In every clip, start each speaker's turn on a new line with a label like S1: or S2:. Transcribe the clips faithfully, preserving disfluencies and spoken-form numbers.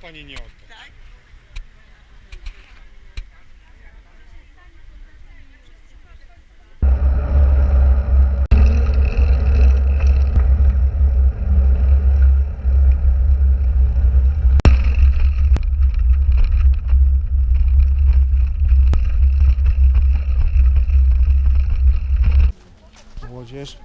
S1: pani nie odda.
S2: Tak?
S1: Młodzież.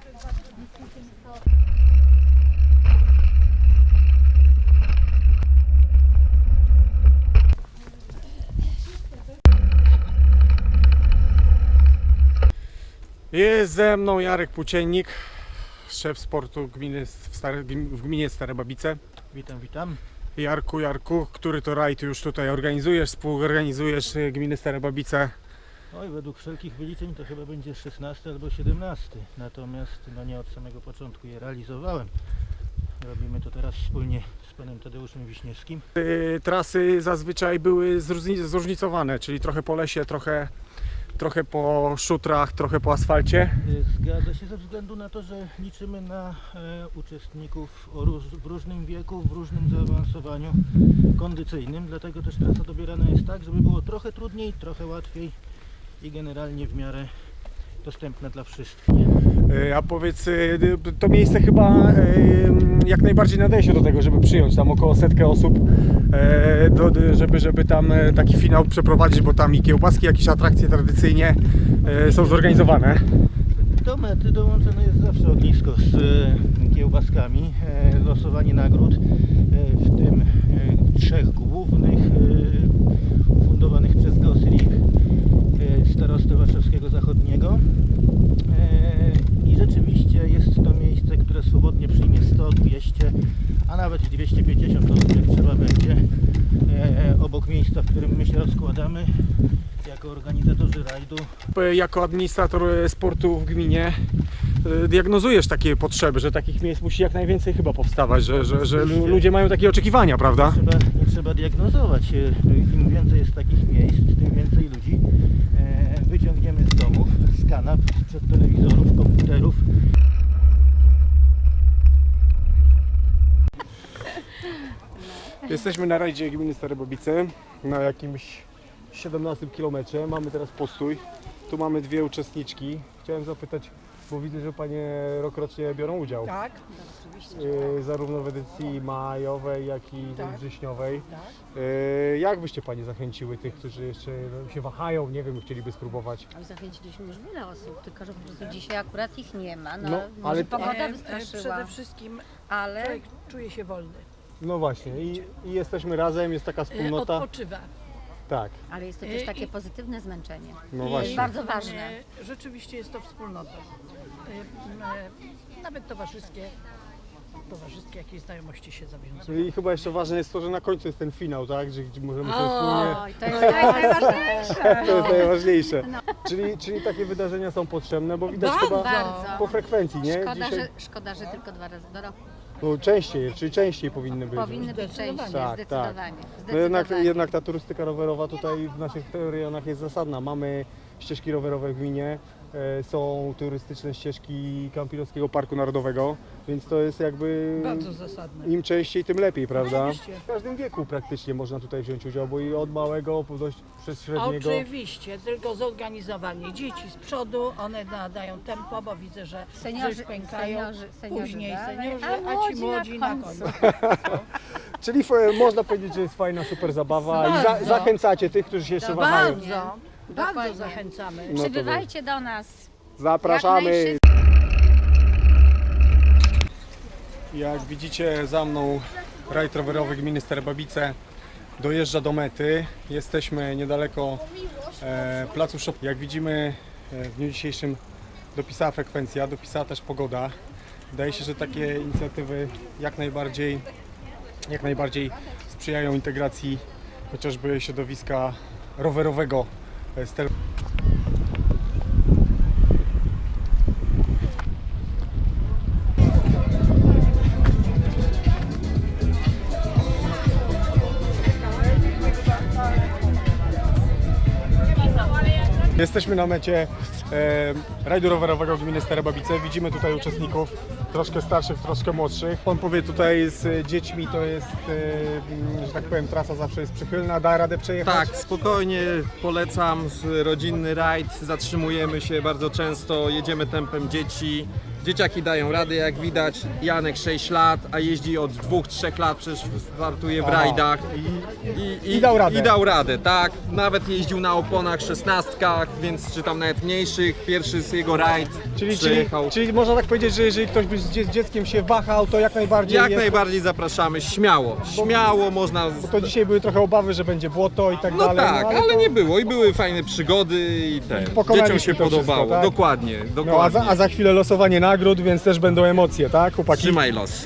S1: Jest ze mną Jarek Płóciennik, szef sportu gminy, w, Stare, w gminie Stare Babice.
S3: Witam, witam.
S1: Jarku, Jarku, który to rajd już tutaj organizujesz, współorganizujesz gminy Stare Babice?
S3: Oj, według wszelkich wyliczeń to chyba będzie szesnasty albo siedemnasty. Natomiast no nie od samego początku je realizowałem. Robimy to teraz wspólnie z panem Tadeuszem Wiśniewskim.
S1: Yy, trasy zazwyczaj były zróżni- zróżnicowane, czyli trochę po lesie, trochę, trochę po szutrach, trochę po asfalcie.
S3: Y, Zgadza się ze względu na to, że liczymy na e, uczestników o róż, w różnym wieku, w różnym zaawansowaniu kondycyjnym. Dlatego też trasa dobierana jest tak, żeby było trochę trudniej, trochę łatwiej i generalnie w miarę dostępne dla wszystkich.
S1: Yy, a powiedz, yy, to miejsce chyba yy, jak najbardziej nadaje się do tego, żeby przyjąć tam około setkę osób, yy, do, żeby, żeby tam yy, taki finał przeprowadzić, bo tam i kiełbaski, jakieś atrakcje tradycyjnie yy, są zorganizowane.
S3: Do mety dołączone jest zawsze ognisko z e, kiełbaskami, e, losowanie nagród, e, w tym e, trzech głównych e, ufundowanych przez GOSRIP, e, starostę warszawskiego zachodniego. E, I rzeczywiście jest to miejsce, które swobodnie przyjmie sto, dwieście, a nawet dwieście pięćdziesiąt osób, jak trzeba będzie, e, obok miejsca, w którym my się rozkładamy jako organizatorzy rajdu.
S1: Jako administrator sportu w gminie yy, diagnozujesz takie potrzeby, że takich miejsc musi jak najwięcej chyba powstawać, że, że, że ludzie mają takie oczekiwania, prawda?
S3: Trzeba, nie trzeba diagnozować. Im więcej jest takich miejsc, tym więcej ludzi e, wyciągniemy z domów, z kanap, sprzed telewizorów, komputerów.
S1: Jesteśmy na rajdzie gminy Stare Babice, na jakimś siedemnastym kilometrze. Mamy teraz postój. Tu mamy dwie uczestniczki. Chciałem zapytać, bo widzę, że panie rokrocznie biorą udział.
S2: Tak, oczywiście.
S1: Yy, zarówno w edycji majowej, jak i
S2: Tak.
S1: wrześniowej.
S2: Tak.
S1: Yy, jak byście panie zachęciły tych, którzy jeszcze no, się wahają, nie wiem, chcieliby spróbować?
S4: Ale zachęciliśmy już wiele osób, tylko że po prostu dzisiaj akurat ich nie ma. No,
S1: No,
S4: może
S1: ale-
S4: pogoda
S2: E,
S4: wystraszyła,
S2: Przede wszystkim
S4: ale
S2: człowiek czuje się wolny.
S1: No właśnie, i, i jesteśmy razem, jest taka
S2: E,
S1: wspólnota.
S2: Odpoczywa.
S1: Tak,
S4: ale jest to też
S2: I-
S4: takie
S2: i-
S4: pozytywne zmęczenie.
S1: no
S2: I
S1: właśnie.
S4: bardzo ważne.
S2: e, Rzeczywiście jest to wspólnota. E, e, Nawet towarzyskie, towarzyskie jakieś znajomości się zawiązują.
S1: I chyba jeszcze ważne jest to, że na końcu jest ten finał, tak? Że gdzie możemy sobie wspólnie.
S4: Oj, to jest, to jest najważniejsze.
S1: To jest najważniejsze. Czyli, czyli takie wydarzenia są potrzebne, bo widać
S2: Bardzo.
S1: chyba
S4: Bardzo.
S1: po frekwencji, nie?
S4: Szkoda,
S1: Dzisiaj
S4: że, szkoda, że tylko dwa razy do roku.
S1: no, częściej, czyli częściej powinny być.
S4: Powinny być
S2: Zdecydowanie.
S4: częściej,
S1: Tak,
S4: zdecydowanie.
S1: No jednak,
S4: zdecydowanie.
S1: jednak ta turystyka rowerowa tutaj w naszych rejonach jest zasadna. Mamy ścieżki rowerowe w gminie, e, są turystyczne ścieżki Kampilowskiego Parku Narodowego, więc to jest jakby
S2: Bardzo zasadne.
S1: im częściej, tym lepiej, prawda?
S2: Oczywiście.
S1: W każdym wieku praktycznie można tutaj wziąć udział, bo i od małego po dość przez średniego.
S2: Oczywiście, tylko zorganizowanie. Dzieci z przodu, one nadają tempo, bo widzę, że
S4: Seniorzy,
S2: że pękają.
S4: seniorzy, seniorzy
S2: Później
S4: dalej,
S2: seniorzy,
S4: a
S2: a ci
S4: młodzi
S2: młodzi
S4: na
S2: na
S4: końcu.
S2: końcu.
S1: Czyli f- można powiedzieć, że jest fajna, super zabawa i za,
S2: Bardzo.
S1: zachęcacie tych, którzy się jeszcze wahają.
S2: Bardzo, bardzo
S4: Dokładnie.
S2: zachęcamy.
S1: No to
S4: Przybywajcie do nas.
S1: Zapraszamy!
S4: Jak
S1: Jak widzicie za mną rajd rowerowy gminy Stare Babice dojeżdża do mety. Jesteśmy niedaleko e, placu Szop. Jak widzimy e, w dniu dzisiejszym dopisała frekwencja, dopisała też pogoda. Wydaje się, że takie inicjatywy jak najbardziej, jak najbardziej sprzyjają integracji chociażby środowiska rowerowego e, Stare. Jesteśmy na mecie. e, rajdu rowerowego gminy Stare Babice. Widzimy tutaj uczestników, troszkę starszych, troszkę młodszych. Pan powie, tutaj z dziećmi to jest, e, że tak powiem, trasa zawsze jest przychylna, da radę przejechać?
S5: Tak, spokojnie polecam, rodzinny rajd, zatrzymujemy się bardzo często, jedziemy tempem dzieci. Dzieciaki dają radę, jak widać. Janek sześć lat, a jeździ od dwóch trzech lat, przecież startuje w
S1: Aha.
S5: rajdach.
S1: I, i dał radę.
S5: I dał radę, tak. Nawet jeździł na oponach szesnastkach, więc czy tam nawet mniejszych. Pierwszy z jego rajd
S1: Czyli, czyli,
S5: przyjechał.
S1: czyli można tak powiedzieć, że jeżeli ktoś by z dzie- dzieckiem się wahał, to jak najbardziej
S5: Jak
S1: jest...
S5: najbardziej zapraszamy, śmiało, śmiało można.
S1: Bo to dzisiaj były trochę obawy, że będzie błoto i tak
S5: No
S1: dalej.
S5: tak,
S1: no,
S5: ale
S1: to...
S5: nie było i były fajne przygody i te.
S1: Pokonaliśmy
S5: Dzieciom się
S1: to wszystko,
S5: podobało.
S1: tak?
S5: Dokładnie, dokładnie.
S1: No, a, za, a za chwilę losowanie nagród, więc też będą emocje, tak, chłopaki?
S5: Trzymaj los.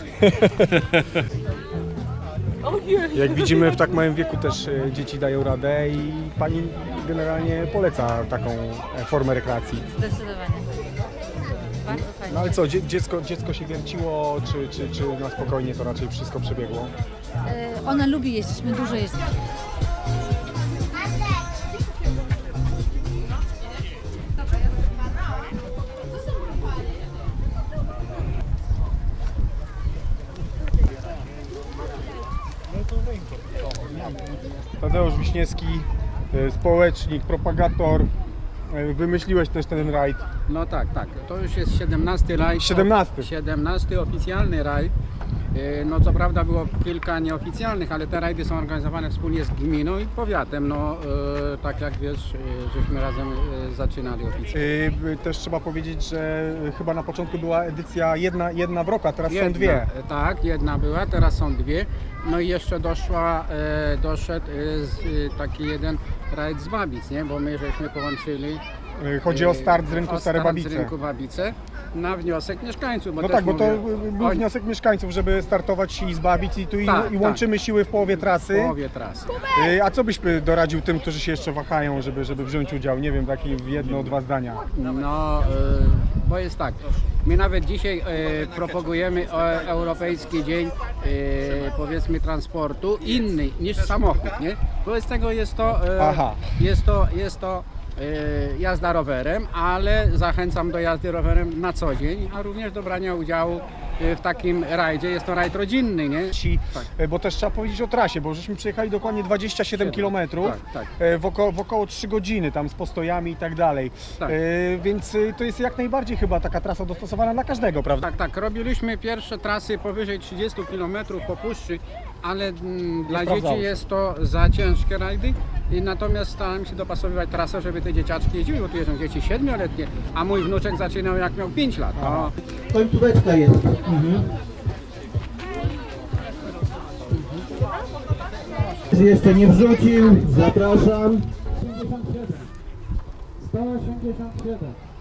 S1: Jak widzimy, w tak małym wieku też e, dzieci dają radę i pani generalnie poleca taką e, formę rekreacji.
S4: Zdecydowanie. Bardzo fajnie.
S1: No ale co, dzie- dziecko, dziecko się wierciło, czy, czy, czy na spokojnie to raczej wszystko przebiegło?
S4: E, Ona lubi jeździć, my dużo jeździmy.
S1: Tadeusz Wiśniewski, e, społecznik, propagator, e, wymyśliłeś też ten rajd.
S6: No tak, tak. To już jest siedemnasty rajd.
S1: siedemnasty.
S6: siedemnasty oficjalny rajd. Yy, No co prawda było kilka nieoficjalnych, ale te rajdy są organizowane wspólnie z gminą i powiatem. No yy, tak jak wiesz, yy, żeśmy razem yy, zaczynali oficjalnie.
S1: E, Też trzeba powiedzieć, że chyba na początku była edycja jedna, jedna w roku, a teraz są
S6: Jedna,
S1: dwie.
S6: Tak, jedna była, teraz są dwie. No i jeszcze doszła, e, doszedł e, z, e, taki jeden rajd z Babic, nie? Bo my żeśmy połączyli.
S1: E, Chodzi o start z rynku
S6: o
S1: Stare
S6: start
S1: Babice.
S6: z rynku Babice na wniosek mieszkańców. Bo
S1: No
S6: też
S1: tak, bo to
S6: mówię,
S1: był
S6: oni-
S1: wniosek mieszkańców, żeby startować i z Babic i tu i,
S6: Tak,
S1: i łączymy siły w połowie
S6: w
S1: trasy.
S6: połowie trasy.
S1: E, A co byś by doradził tym, którzy się jeszcze wahają, żeby, żeby wziąć udział? Nie wiem, takie jedno, dwa zdania.
S6: No, e, bo jest tak, my nawet dzisiaj e, propagujemy e, Europejski Dzień e, powiedzmy transportu inny niż samochód, nie? Wobec tego jest to, e,
S1: Aha.
S6: jest to, jest to e, jazda rowerem, ale zachęcam do jazdy rowerem na co dzień, a również do brania udziału e, w takim rajdzie. Jest to rajd rodzinny, nie?
S1: Ci,
S6: Tak.
S1: e, Bo też trzeba powiedzieć o trasie, bo żeśmy przejechali dokładnie dwadzieścia siedem kilometrów
S6: Tak, tak.
S1: e, w, oko, w około trzy godziny, tam z postojami i tak dalej.
S6: Tak.
S1: E, Więc e, to jest jak najbardziej chyba taka trasa dostosowana dla każdego, prawda?
S6: Tak, tak. Robiliśmy pierwsze trasy powyżej trzydziestu kilometrów po puszczy, ale mm, dla
S1: sprawdzało
S6: dzieci
S1: się.
S6: jest to za ciężkie rajdy. I natomiast starałem się dopasowywać trasę, żeby te dzieciaczki jeździły, bo tu jeżdżą dzieci siedmioletnie, a mój wnuczek zaczynał jak miał pięć lat. No,
S3: Końcóweczka jest. Mhm. Jeszcze nie wrzucił, zapraszam.
S7: sto osiemdziesiąt siedem.